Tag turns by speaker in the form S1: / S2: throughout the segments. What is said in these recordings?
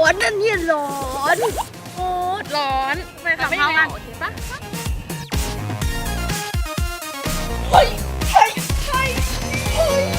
S1: อนนั่นเนี่ยร้อน
S2: โอ้ร้อนไปทำข้าวกันโอเคปะ
S1: เฮ้ยเฮ้ยเฮ้ยเฮ้ย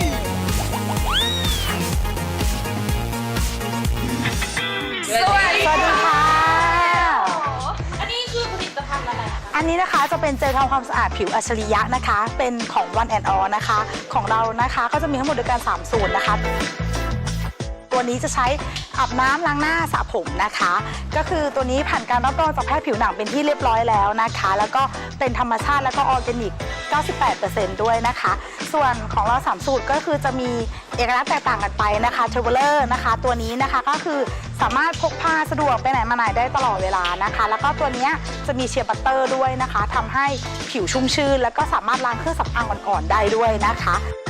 S2: สวัสดี
S3: สวัสดีค่ะ
S2: อันนี้คือผลิตภัณฑ์อะไรคะ
S3: อันนี้นะคะจะเป็นเจลทำความสะอาดผิวอัจฉริยะนะคะ เป็นของ One and All นะคะ ของเรานะคะก็จะมีทั้งหมดด้วยกัน3สูตรนะคะ ตัวนี้จะใช้อาบน้ำล้างหน้าสระผมนะคะ ก็คือตัวนี้ผ่านการรับรองจากแพทย์ผิวหนังเป็นที่เรียบร้อยแล้วนะคะ แล้วก็เป็นธรรมชาติแล้วก็ออร์แกนิก 98% ด้วยนะคะ ส่วนของเรา3สูตรก็คือจะมีเอกลักษณ์แตกต่างกันไปนะคะเทเวลเลอร์นะคะตัวนี้นะคะก็คือสามารถพกพาสะดวกไปไหนมาไหนได้ตลอดเวลานะคะ แล้วก็ตัวนี้จะมีเชียร์บัตเตอร์ด้วยนะคะทำให้ผิวชุ่มชื่นแล้วก็สามารถล้างเครื่องสำอางอ่อนๆได้ด้วยนะคะ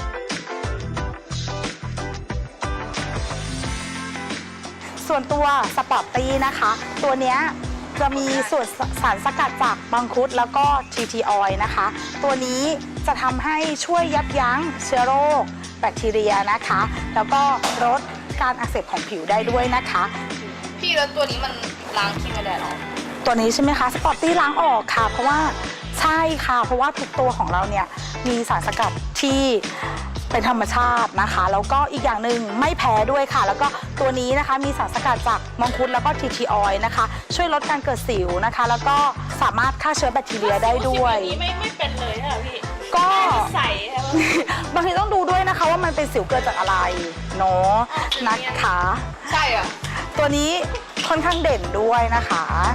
S3: ส่วนตัวสปอร์ตตี้นะคะ ตัวเนี้ยจะมีส่วนสารสกัดจากมังคุดแล้วก็ TT oil นะคะ ตัวนี้จะทำให้ช่วยยับยั้งเชื้อโรคแบคทีเรียนะคะ แล้วก็ลดการอักเสบของผิวได้ด้วยนะคะ
S2: พี่แล้วตัวนี้มันล้างครีมกันแดดหรอ
S3: ตัวนี้ใช่ไหมคะสปอร์ตตี้ล้างออกค่ะ เพราะว่าใช่ค่ะ เพราะว่าทุกตัวของเราเนี่ยมีสารสกัดที่เป็นธรรมชาตินะคะ แล้วก็อีกอย่างหนึ่งไม่แพ้ด้วยค่ะ แล้วก็ตัวนี้นะคะมีสารสกัดจากมังคุดแล้วก็ทีทีออยล์นะคะช่วยลดการเกิดสิวนะคะ แล้วก็สามารถฆ่าเชื้อแบคทีเรียได้ด้วย
S2: นี้ไม่เป็นเลยใช่ไหมพี่
S3: ก็
S2: ใส่ใช่ไหม
S3: บางทีต้องดูด้วยนะคะว่ามันเป็นสิวเกิดจากอะไรเนาะนะคะ
S2: ใช่อ่ะ
S3: ตัวนี้ค่อนข้างเด่นด้วยนะคะ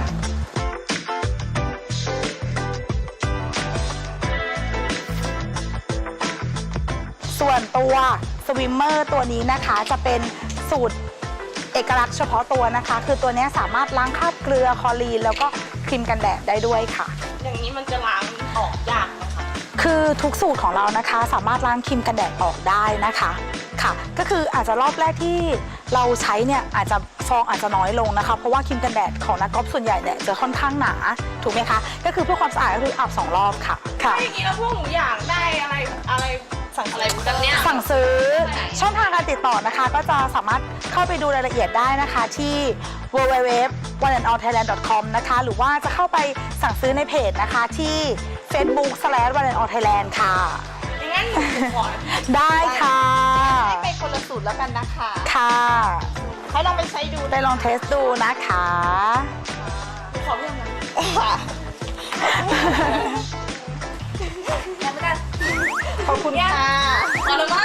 S3: ส่วนตัวสวิมเมอร์ตัวนี้นะคะจะเป็นสูตรเอกลักษณ์เฉพาะตัวนะคะ คือตัวนี้สามารถล้างคราบเกลือคลอรีนแล้วก็ครีมกันแดดได้ด้วยค่ะ
S2: อย่างนี้มันจะล้างออกยากไหมคะ
S3: คือทุกสูตรของเรานะคะสามารถล้างครีมกันแดดออกได้นะคะค่ะ ก็คืออาจจะรอบแรกที่เราใช้เนี่ยอาจจะฟองอาจจะน้อยลงนะคะ เพราะว่าครีมกันแดดของนักกอล์ฟส่วนใหญ่เนี่ยจะค่อนข้างหนาถูกไหมคะก็คือเพื่อความสะอาดก็คืออาบ2 รอบค่ะค่ะ
S2: ถ้าอย่างนี้แล้วพวกหนูอยากได้อะไรสั่งอะไรแบบเนี้ย
S3: สั่งซื้อช่องทางการติดต่อนะคะ ก็จะสามารถเข้าไปดูรายละเอียดได้นะคะที่ www.oneandallthailand.com นะคะหรือว่าจะเข้าไปสั่งซื้อในเพจนะคะที่ Facebook/oneandallthailand ค่ะ
S2: อย่างนั้นหนูขอ
S3: ได้ค่ะ
S2: ให้ไปคนละสูตรแล้วกันนะคะ
S3: ค่ะ
S2: ให้ลองไปใช้ดู
S3: ไปลองเทสดูนะคะ
S2: ขอเพิ่มนะ
S3: ขอบคุณค่ะ
S2: พอแล้วมั้ง